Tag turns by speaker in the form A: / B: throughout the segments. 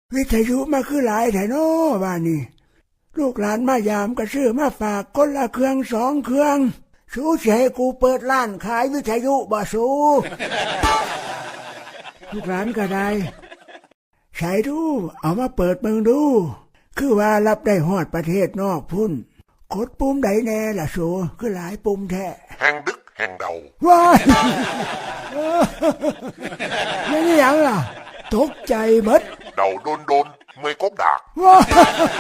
A: วิทยุมาคือหลายแถวโน้บ้านนี่ลูกหลานมายามก็ซื้อมาฝากคนละเครื่อง2 เครื่องสูสิให้กูเปิดร้านขายวิทยุบ่สูลูกหลานก็ได้ใช้ดูเอามาเปิดเมืองดูคือว่ารับได้ฮอดประเทศนอกพุ่นกดปุ่มใดแน่ล่ะสูคือหลายปุ่มแท้
B: แห่งดึกแห่งเดา
A: ว้ายไม่ได้ยังล่ะตกใจหมด
B: เดาโดนเมื่อยกบดาก
A: ว้าย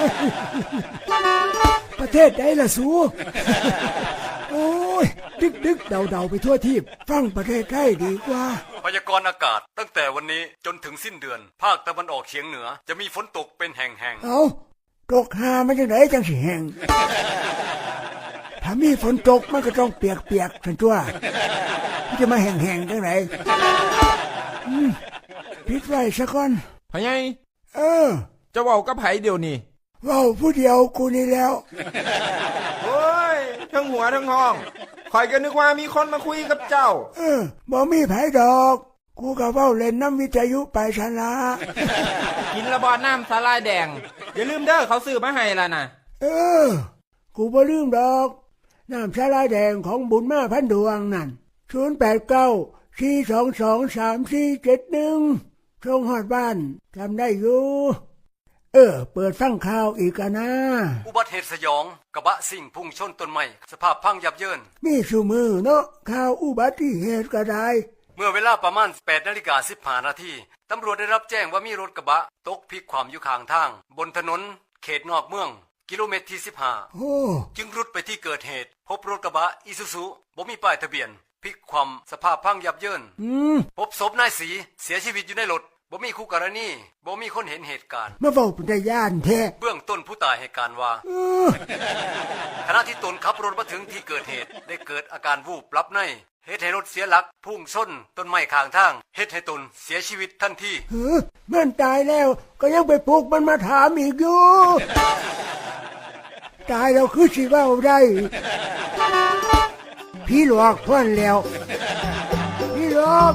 A: ประเทศใดล่ะสูโอ้ยดึกเดาไปทั่วทีบฟังประเทศไทยดีกว่า
C: พยากรณ์อากาศตั้งแต่วันนี้จนถึงสิ้นเดือนภาคตะวันออกเฉียงเหนือจะมีฝนตกเป็นแห่งๆ
A: เอาตกหามันจังไดจังสิแห้งถ้ามีฝนตกมันก็ต้องเปียกสันตัวจะมาแห้งจังไดปิดไว้ซะก่อน
D: พะไงจะเว้ากับไผเดี๋ยวนี้
A: เว้าผู้เดียวกูนี่แล้ว
D: โอ้ยทั้งหัวทั้งห้องข่อยก็นึกว่ามีคนมาคุยกับเจ้า
A: บ่มีไผดอกกูก็เว้าเล่นน้ำวิทยุไปซะละ
D: กินระบอดน้ำสาลายแดงอย่าลืมเด้อเขาซื้อมาให้ล่ะนะ
A: กูบ่ลืมดอกน้ำสาลายแดงของบุญมาพันดวงนั่น0894223471ส่งฮอดบ้านจำได้อยู่เปิดฟังข่าวอีกนะ
C: อุบัติเหตุสยองกระบะซิ่งพุ่งชนต้นไม้สภาพพังยับเยิน
A: มีซุมือเนาะข่าวอุบัติเหตุก็ได้
C: เมื่อเวลาประมาณ 8:15 น.ตำรวจได้รับแจ้งว่ามีรถกระบะตกพลิกคว่ำอยู่ข้างทางบนถนนเขตนอกเมืองกิโลเมตรที่15จึงรุดไปที่เกิดเหตุพบรถกระบะอิซูซุบ่มีป้ายทะเบียนพลิกคว่ำสภาพพังยับเยินพบศพนายศรีเสียชีวิตอยู่ในรถบ่มีคู่กรณีบ่มีคนเห็นเหตุการณ์
A: มาเว้าเป็นตาย้านแท้
C: เบื้องต้นผู้ตายให้การว่าขณะที่ตนขับรถมาถึงที่เกิดเหตุได้เกิดอาการวูบหลับในเหตุให้รถเสียหลักพุ่งชนต้นไม้ข้างทางเหตุให้ตนเสียชีวิตทันที
A: มันตายแล้วก็ยังไปปลุกมันมาถามอีกอยู่ตายแล้วคือสิเว้าได้พี่หลอกพ่นแล้วพี่หลอก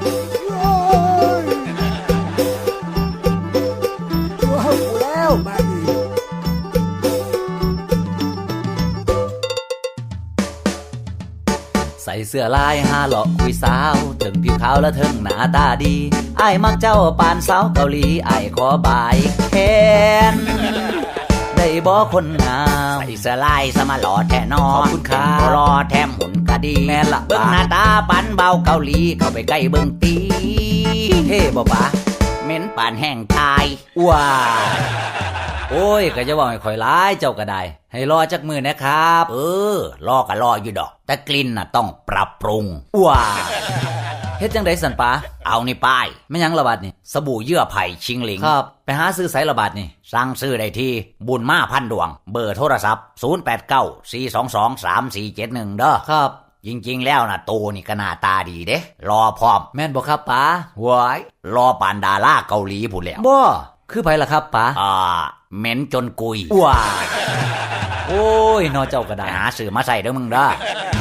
E: ใส่เสื้อลายหาหลอกคุยสาวถึงผิวขาวและถึงหน้าตาดีอ้ายมักเจ้าปานสาวเกาหลีอ้ายขอบายแขนได้บ่คนงามใส่เสื้อลายสมาหล่อแท้นอนขอบคุณค่ะรอแถมหุ่นก็ดีแม่นละเบิ่งหน้าตาปานเบาเกาหลีเข้าไปใกล้เบิ่งตีเท่บ่ปะเหม็นปานแห้งตายว้าโอ้ยก็จะบอกให้ข่อยร้ายเจ้าก็ได้ให้รอจักมือนะครับรอก็รออยู่ดอกแต่กลิ่นน่ะต้องปรับปรุงว้าเฮ็ดจังได๋สันปาเอานี่ป้ายแม่นหยังระบาดนี่สบู่เยื่อไผ่ชิงหลิงครับไปหาซื้อไสระบาดนี่สั่งซื้อได้ที่บุญมาพันดวงเบอร์โทรศัพท์0894223471เด้อครับจริงๆแล้วนะโตนี่ก็หน้าตาดีเด้รอพร้อมแม่นบ่ครับป๋าว้ายรอปานดาราเกาหลีพู้นแล้วบ่คือไผล่ะครับป๋าเหม็นจนกุยว้าโอ้ยนอเจ้าก็ได้หาซื้อมาใส่เด้อมึงเด้อ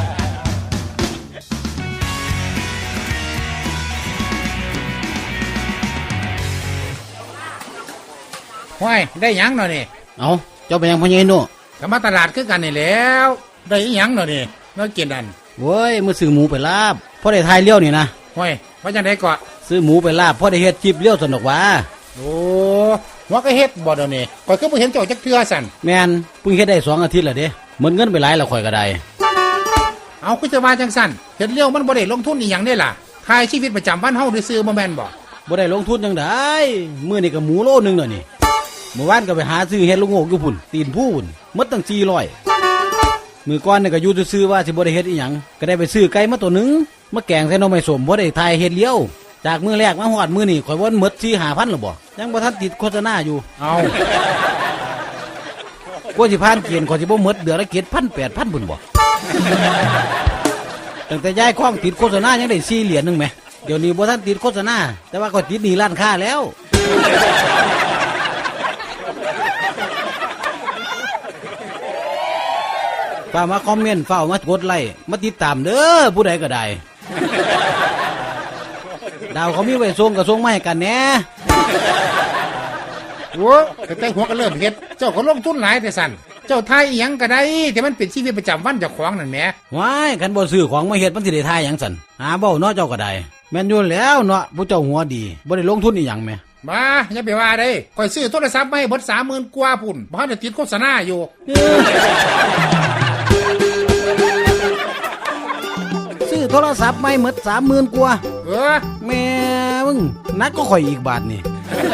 F: ห้วยได้หยังหน่อยนี่
G: เอาเจ้าไปยังพ่อใหญ่โน่
F: ก็มาตลาดคือกันนี่แล้วได้หยังหน่อยนี่มากินนั่น
G: โว้ยมื้อซื้อหมูไปลาบพอได้ทายเลี้ยวนี่นะ
F: ห้วยว่าจังได๋ก็
G: ซื้อหมูไปลาบพอได้เฮ็ดคลิปเลี้ยวสนุกว่า
F: โอ้ว่าก็เฮ็ดบ่เดี๋ยวนี้ข่อยคือบ่เห็นเจ้าจักเทื่อสั่น
G: แม่นเพิ่งเฮ็ดได้2 อาทิตย์แล้วเด้หมดเงินไปหลายแล้วข่อยก็ได้
F: เอาคือจะว่าจังซั่นเฮ็ดเลี้ยวมันบ่ได้ลงทุนอีหยังเด้ล่ะทายชีวิตประจำวันเฮาซื่อๆบ่แม่นบ่
G: ได้ลงทุนจังได๋มื้อนี้ก็หมูโลนึงแล้วนี่เมื่อวานก็ไปหาซื้อเฮ็ดลูกโงกอยู่พุ่นตีนผู้พุ่นหมดตั้ง400มื้อก่อนนี่ก็อยู่ซื่อๆว่าสิบ่ได้เฮ็ดอีหยังก็ได้ไปซื้อไก่มาตัวนึงมาแกงใส่หน่อไม้ส้มบ่ได้ทายเฮ็ดเลี้ยวจากมื้อแรกมาฮอดมื้อนี้ข่อยว่าหมด 4-5,000 แล้วบ่ยังบ่ทันติดโฆษณาอยู่
F: เอา
G: กว่าสิผ่านเกณฑ์ข่อยสิบ่หมดเดือนละ 7,000 8,000 พุ่นบ่ตั้งแต่ย้ายข้องติดโฆษณายังได้4 เหรียญนึงแหมเดี๋ยวนี้บ่ทันติดโฆษณาแต่ว่าข่อยติดหนี้ร้านค้าแล้วฝากมาคอมเมนต์ฝากมากดไลค์มาติดตามเด้อผู้ใดก็ได้ดาวเขามีไว้ส่งกับส่งมาให้กันแหน่
F: โอ้แต่หัวก็เริ่มเฮ็ดเจ้าก็ลงทุนหลายแต่สั่นเจ้าทายอีหยังก็ได้แต่มันเป็นชีวิตประจำวันเจ้าของนั่นแหม
G: ว้ายคันบ่ซื้อของมาเฮ็ดมันสิได้ทายหยังสั่นหาเว้าเนาะเจ้าก็ได้แม่นอยู่แล้วเนาะผู้เจ้าหัวดีบ่ได้ลงทุนอีหยังแหม
F: บ้าอย่าไปว่าเด้ข่อยซื้อโทรศัพท์มาให้เบิด30,000กว่าพุ่นบ่ทันได้ติดโฆษณาอยู่
G: ซื้อโทรศัพท์ใหม่หมด30,000กว่า แม่มึงนักก็ข่อยอีกบาทนี่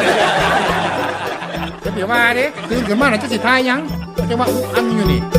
F: อย่าไปว่าเด้ตื่นขึ้นมาน่ะจะสิทายหยังจะว่าอุ๊อังอยู่นี่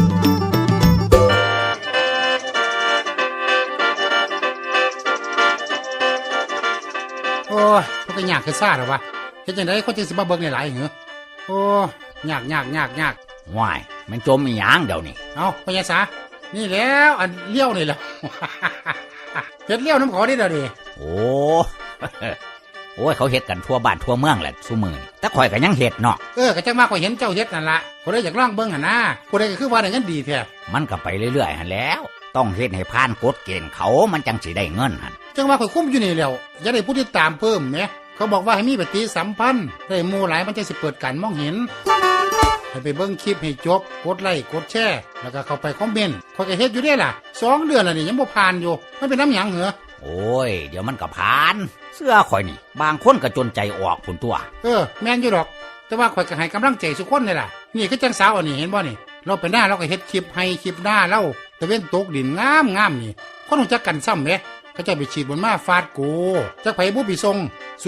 F: โอ้ยมันก็ยากคือซ่าหรอวะเฮ็ดจังได๋คนจังสิมาเบิ่งหลายๆเหรอโอ้ยาก
E: ว้ายมันจมอีหยังเดี๋ยวนี้
F: เอาพญาสานี่แล้วอันเลี้ยวนี่แหละ เฮ็ดเลี้ยวน้ำขอได้เด้อดิ
E: โอ้ โอ้ยเขาเฮ็ดกันทั่วบ้านทั่วเมืองแหละซุมื้อนี้แต่ข่อยก็ยังเฮ็ดเนาะ
F: ก็จังว่าข่อยเห็นเจ้าเฮ็ดนั่นล่ะบ่ได้อยากลองเบิ่งหั่นนะบ่ได้ก็คือว่าได้เงินดีแท้
E: มันก็ไปเรื่อยๆหั่นแหล้ว ต้องเฮ็ดให้ผ่านกฎเกณฑ์เขามันจังสิได้เงินหั่น
F: จังว่าข่อยคุ้มอยู่นี่แล้วอย่าได้ผู้ติดตามเพิ่มแหมเขาบอกว่าให้มีปฏิสัมพันธ์ได้หมู่หลายมันจะสิเปิดการมองเห็นให้ไปเบิ่งคลิปให้จบกดไลค์กดแชร์แล้วก็เข้าไปคอมเมนต์ข่อยก็เฮ็ดอยู่เด้ล่ะ2 เดือนแล้วนี่ยังบ่ผ่านอยู่มันเป็นน้ำหยังเหรอ
E: โอ้ยเดี๋ยวมันก็ผ่านเสื้อข่อยนี่บางคนก็จนใจออกพุ่นตัว
F: แม่นอยู่ดอกแต่ว่าข่อยก็ให้กำลังใจทุกคนนี่ล่ะนี่คือจังสาวอันนี้เห็นบ่นี่เราไปหน้าเราก็เฮ็ดคลิปให้คลิปหน้าเราตะเว้นตกดินงามนี่คนรู้จักกันซ้ำแหมเขาจะไปฉีดบนมาฟาดกูจักไผบ่ปีส่ง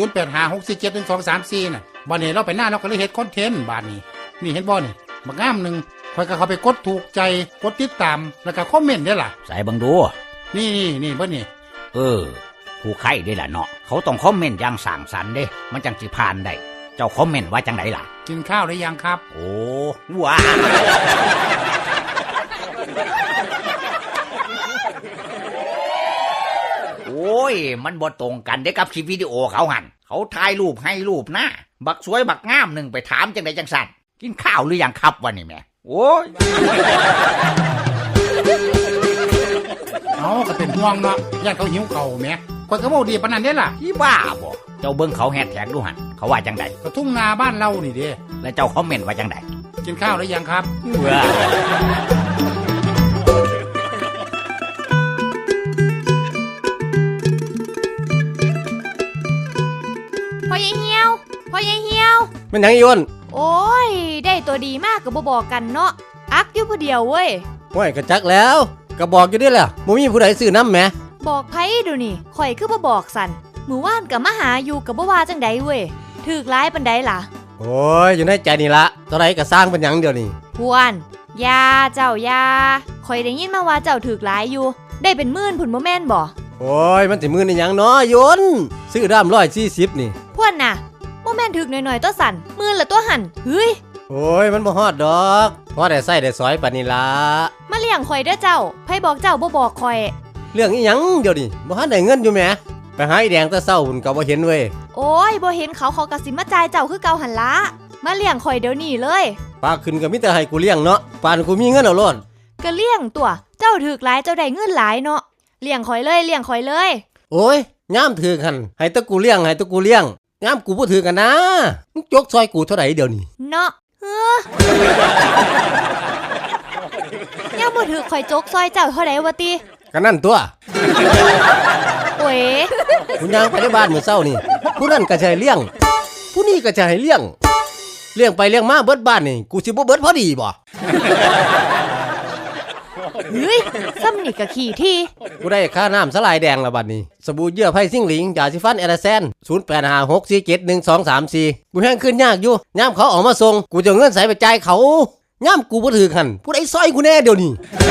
F: 0856471234น่ะบัดนี้เราไปหน้าเราก็เลยเฮ็ดคอนเทนต์บาดนี้นี่เห็นบ่นี่บักงามนึงข่อยก็เข้าไปกดถูกใจกดติดตามแล้วก็คอมเมนต์ได้ล่ะ
E: ใส่เบิ่งดู
F: นี่เบิ่งนี่
E: ผู้ใครได้ล่ะเนาะเขาต้องคอมเมนต์อย่างสร้างสรรค์เด้มันจังสิผ่านได้เจ้าคอมเมนต์ว่าจังไดล่ะ
F: กินข้าวหรือยังครับ
E: โอ้ว้าโอ้ยมันบ่ตรงกันเด้กับคลิปวิดีโอเขาหันเขาถ่ายรูปให้รูปหน้าบักสวยบักงามหนึ่งไปถามจังไดจังสั่นกินข้าวหรือยังครับวะนี่แม่โอ้ย
F: เอาก็เป็นห่วงเนาะย่านเขาหิวเข่าแหมข่อยก็เว้าดีปานนั้นเด้ล่ะ
E: พี่บ้าบ่เจ้าเบิ่งเขาแฮชแท็กดูหันเขาว่าจังได
F: ก็ทุ่งนาบ้านเรานี่เด้
E: แล้วเจ้าคอมเมนต์ว่าจังได
F: กินข้าวหรือยังครับ
E: ว้า
H: พ่อใหญ่เหี่ยวพ่อใหญ่เหี่ยว
I: มันหยังอีอ้น
H: โอ้ยได้ตัวดีมากก็บ่บอกกันเนาะอักอยู่ผู้เดียวเว้ย
I: ห้วยกระจักแล้วก็บอกอยู่เด้แหละบ่มีผู้ใดซื้อน้ำแหม
H: บอกไผดูนี่ข่อยคือบ่บอกสันมื้อวานก็มาหาอยู่ก็บ่ว่าจังใดเว้ยถูกหลายปานใดล่ะ
I: โอ้ยอยู่ในใจนี่ละเท่าไรก็สร้างเป็นหยังเดียวนี่
H: พวนยาเจ้ายาข่อยได้ยินมาว่าเจ้าถูกหลายอยู่ได้เป็นหมื่นพุ่นบ่แม่นบ่
I: โอ้ยมันสิมือนี่หยังเนาะยนซื้อด้าม140นี่
H: พวนน่ะบ่แม่นถูกหน่อยๆตัวสั่นหมื่นละตัวหั่นเฮ้ย
I: โอ้ยมันบ่ฮอดดอกพอได้ใส่ได้สอยปานนี้ละ
H: มาเลี้ยงข่อยเด้อเจ้าไผบอกเจ้าบ่บอกข่อย
I: เรื่องอีหยังเดี๋ยวนี้บ่ทันได้เงินอยู่แหมไปหาไอ้แดงแต่เช้าหุ่นก็บ่เห็นเว้ย
H: โอ้ยบ่เห็นเขาก็สิมาจ่ายเจ้าคือเก่าหั่นละมาเลี้ยงข่อยเดี๋ยวนี้เลย
I: ปากขึ้นก็มีแต่ให้กูเลี้ยงเนาะปานกูมีเงินเอาโลด
H: ก็เลี้ยงตัวเจ้าถูกหลายเจ้าได้เงินหลายเนาะเลี้ยงข่อยเลยเลี้ยงข่อยเลย
I: โอ้ยยามถือกันให้แตะกูเลี้ยงให้แตะกูเลี้ยงยามกูบ่ถือกันนะมึงจกซอยกูเท่าไหร่เดี๋ยวนี้
H: เนาะยังบ่ถูกข่อยจกซอยเจ้าเท่าใดวะติ
I: ก็นั่นตัว
H: โอ้ย
I: คุณยางไปในบ้านมื้อเช้านี่ผู้นั้นก็จะให้เลี้ยงผู้นี้ก็จะให้เลี้ยงไปเลี้ยงมาเบิดบ้านนี่กูสิบ่เบิดพอดีบ่
H: เฮ้ยซ้ำนี่ก็ขี้ที่
I: กูได้ค่าน้ำสลายแดงแล้วบัดนี้สบู่เยื่อไผ่ซิ่งหลิงยาสีฟันเอลาแซน0856471234กูแห้งขึ้นยากอยู่ยามเขาออกมาส่งกูจะเอาเงินใส่ไปจ่ายเขายามกูบ่ถือกันผู้ใดซอยกูแน่เดี๋ยวนี้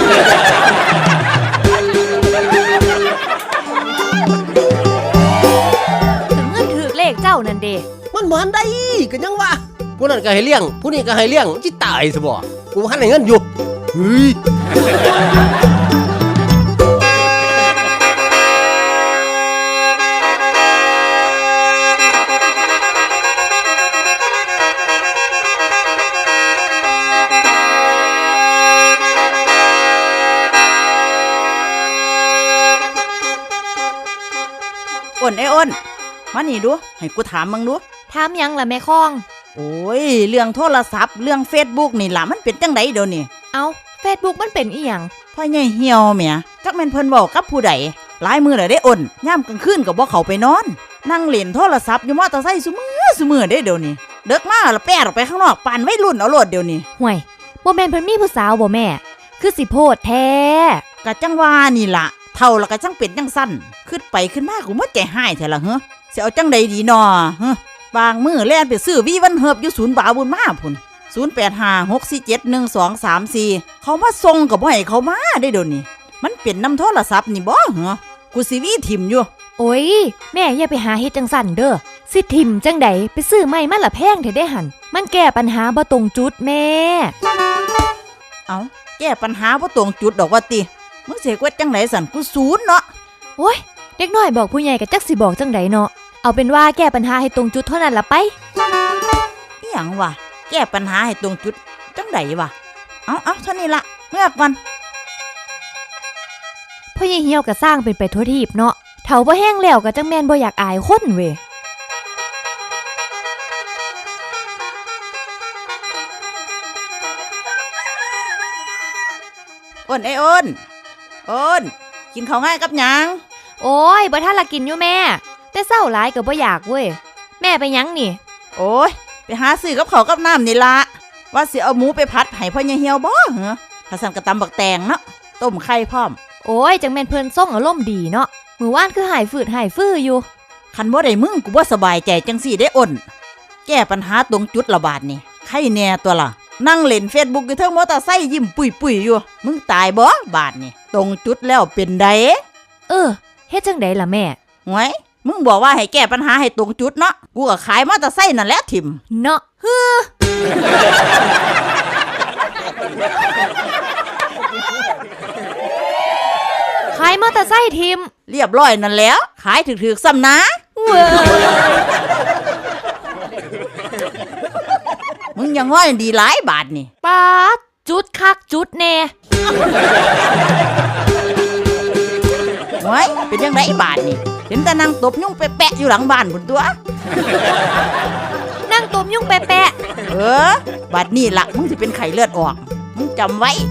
H: ถึงเงินถูกเลขเจ้านั่นเด้
I: มันบ่ทันได้ก็ยังว่าผู้นั้นก็ให้เลี้ยงผู้นี้ก็ให้เลี้ยงสิตายซะบ่กูบ่ทันได้เงินอยู่เฮ้ย
J: อ้นไอ้อ้นมานี่ดูให้กูถามมึงดู
H: ถามหยังล่ะแม่คอง
J: โอ้ยเรื่องโทรศัพท์เรื่อง Facebook นี่ล่ะมันเป็นจังไดเดี๋ยวนี้
H: เอาเฟซบุ๊กมันเป็นอีหยัง
J: พ่อใหญ่เหี่ยวแหมจักแม่นเพิ่นเว้ากับผู้ใดหลายมื้อแล้วได้อ่นยามกลางคืนก็บ่เข้าไปนอนนั่งเล่นโทรศัพท์อยู่มอเตอร์ไซค์ซุมื้อเด้เดี๋ยวนี้เด็กมาแล้วแป้ออกไปข้างนอกปานวัยรุ่นเอาโลดเดี๋ยวนี้
H: ห่วยบ่แม่นเพิ่นมีผู้สาวบ่แม่ คือสิโพดแท้
J: กะจังว่านี่ล่ะเท่าแล้วก็จังเป็นจังซั่นขึ้นไปขึ้นมากูบ่ใจหายแท้ล่ะเฮ้อสิเอาจังใดดีน้อเฮ้อบางมื้อแล่นไปซื้อวีวันเฮิบอยู่ศูนย์บาบุญมาพุ่น0856471234เขามาส่งก็บ่ให้เขามาได้เดี๋ยวนี้มันเป็นน้ำโทรศัพท์นี่บ่เหรอกูสิวีถิ่มอยู่
H: โอ้ยแม่อย่าไปหาเฮ็ดจังสั่นเด้อสิทิมจังใดไปซื้อใหม่มาละแพงเถอะได้หั่นมันแก้ปัญหาบ่ตรงจุดแม่
J: เอาแก้ปัญหาบ่ตรงจุดดอกว่าติมึงสิกวดจังไดสั่นกูศูนย์เนาะ
H: โอ้ยเด็กน้อยบอกผู้ใหญ่ก็จักสิบอกจังใดเนาะเอาเป็นว่าแก้ปัญหาให้ตรงจุดเท่านั้นล่ะไป
J: อีหยังวะแก้ปัญหาให้ตรงจุดจังไดวะเอาเท่านี้ละเมื่อก่อน
H: พ่อใหญ่เหี่ยวก็สร้างเป็นไปทั่วทีบเนาะเฒ่าบ่แห้งแล้วก็จังแม่นบ่อยากอายคนเว้ย
J: อ้นไอ้อ้นกินข้าวง่ายกับหยัง
H: โอ้ยบ่ทันละกินอยู่แม่แต่เศร้าหลายก็บ่อยากเว้ยแม่ไปหยังนี่
J: โอ้ยไปหาซื้อกับข้าวกับน้ำนี่ละว่าสิเอาหมูไปผัดให้พ่อใหญ่เหี่ยวบ่เหรอข้าสั่นกระตำบักแตงเนาะต้มไข่พร้อม
H: โอ้ยจังแม่นเพิ่นส่งอารมณ์ดีเนาะมื้อวานคือหายฝืดหายฟื้ออยู่
J: คันบ่ได้มึงกูบ่สบายใจจังสี่ได้อ้นแก้ปัญหาตรงจุดละบาดนี่ใครแน่ตัวล่ะนั่งเล่น Facebook อยู่เทิงมอเตอร์ไซค์ยิ้มปุยๆอยู่มึงตายบ่บาดนี่ตรงจุดแล้วเป็นได
H: เฮ็ดจังไดล่ะแม่
J: หวยมึงบอกว่าให้แก้ปัญหาให้ตรงจุดเนาะกูก็ขายมอเตอร์ไซค์นั่นแหละทิ่ม
H: เนาะขายมอเตอร์ไซค์ทิม
J: เรียบร้อยนั่นแล้วขายถึกๆซ้ำนะมึงยังง่อยดีหลายบาทนี่
H: ป๊าดจุดคักจุดแน่
J: หวยเป็นยังไงบาทนี่เห็นแต่นางตบยุ่งแปะๆอยู่หลังบ้านพุ่นตัว
H: นั่งตบยุ่งแปะ
J: บาดนี่ล่ะมึงสิเป็นไข้เลือดออกมึงจำไว้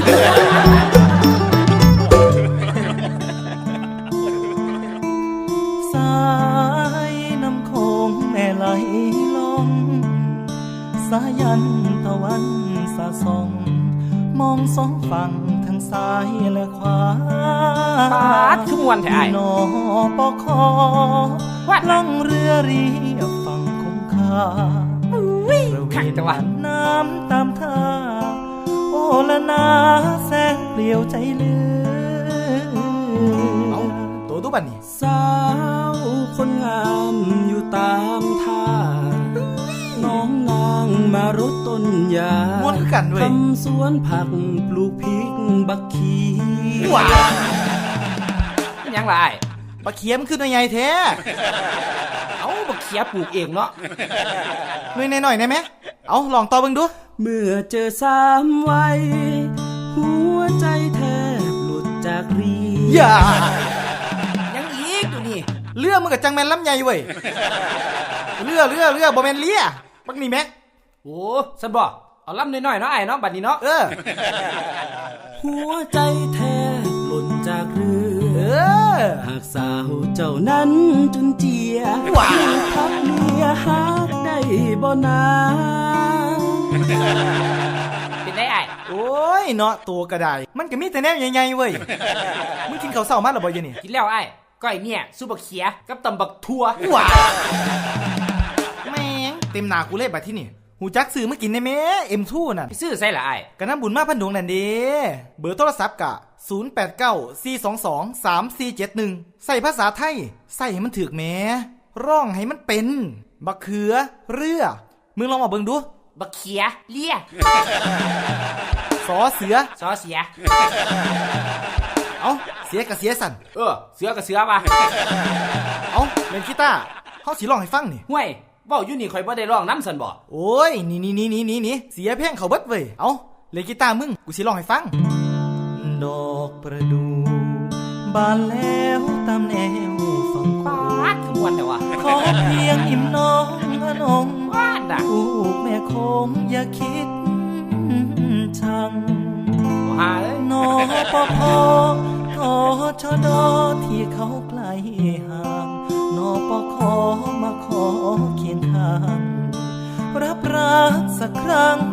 K: สายน้ำโขงแม่ไหลลงสายันตะวันสะส่องมองสองฝั่งทั้งซ้ายและขวา
D: ปาดคือมวนแท้
K: นอปอคอล่องเรือเรียบฝั่งคงคาประเวณน้ำตามท่าโอละนาแสงเปลี่ยวใจเลือ
D: เอาตัวดูบันนี่
K: สาวคนงามอยู่ตามท่าน้องนางมารดต้นยา
D: ม้วนกันด้วย
K: ทำสวนผักปลูกพริกบักขี
D: ว้ายังไรบักเขียมขึ้นหน่วยใหญ่แท้เอาบักเขียปลูกเองเนาะหน่อยหน่อยได้ไหมเอาลองต่อเบิ่งดู
K: เมื่อเจอสามวัยหัวใจแทบหลุดจากรี
D: อย่ายังอีกดูนี่เรือมึงกับจังแมนลำใหญ่เว้ยเรือบ่แมนเลียบักนี่แม่
K: โอ้ฉันบอกเอาลำน้อยๆเนาะไอ้เนาะบัดนี้เนาะหัวใจแทบหล่นจากเรือหากสาวเจ้านั้นจุนเจียทักเมียฮักได้บ่นา
D: เป็นได้ไอ้โอ้ยเนาะตัวกระไดมันก็มีแต่แนวใหญ่ๆเว้ยมึงกินข้าวเช้ามาหรือบ่ยังนี่
K: กินแล้วไอ้ก้อยเนี่ยซุปบักเขียกับตำบักทั่ว
D: แม่งเต็มหน้ากูเลยบัดที่นี่หูจักซื้อมากินได้แม่M2น่ะ
K: ไปซื้อใส่ละไอ้
D: กะน้ำบุญมาพันดวงนั่นเด้เบอร์โทรศัพท์กะ0894223471ใส่ภาษาไทยใส่ให้มันถูกแม่ร้องให้มันเป็นบักเขือเรือมึงลองมาเบิ่งดู
K: บักเขียเลีย
D: สอเสือเอาเสียกับเสียสั่น
K: เสือกับเสือป่ะ
D: เอาเล่นกีตาร์เฮาสิร้องให้ฟังนี่
K: ห่วยเว้าอยู่นี่ข่อยบ่ได้ร้องนำซั่นบ่
D: โอ้ยนี่เสียเพลงเขาเบิดเว้ยเอาเล่นกีตาร์มึงกูสิร้องให้ฟัง
K: ดอกประดู่บบานแล้วตามแนวฝั่งโขง
D: ขบวนเดี๋ยววะ
K: ขอเพียงอิ่มน้องอนงลูกแม่คงอย่าคิดชัง
D: หาเลย
K: นอปพทชดที่เขาไกลห่างนอปขมาขอเคียงข้างรับรักสักครั้ง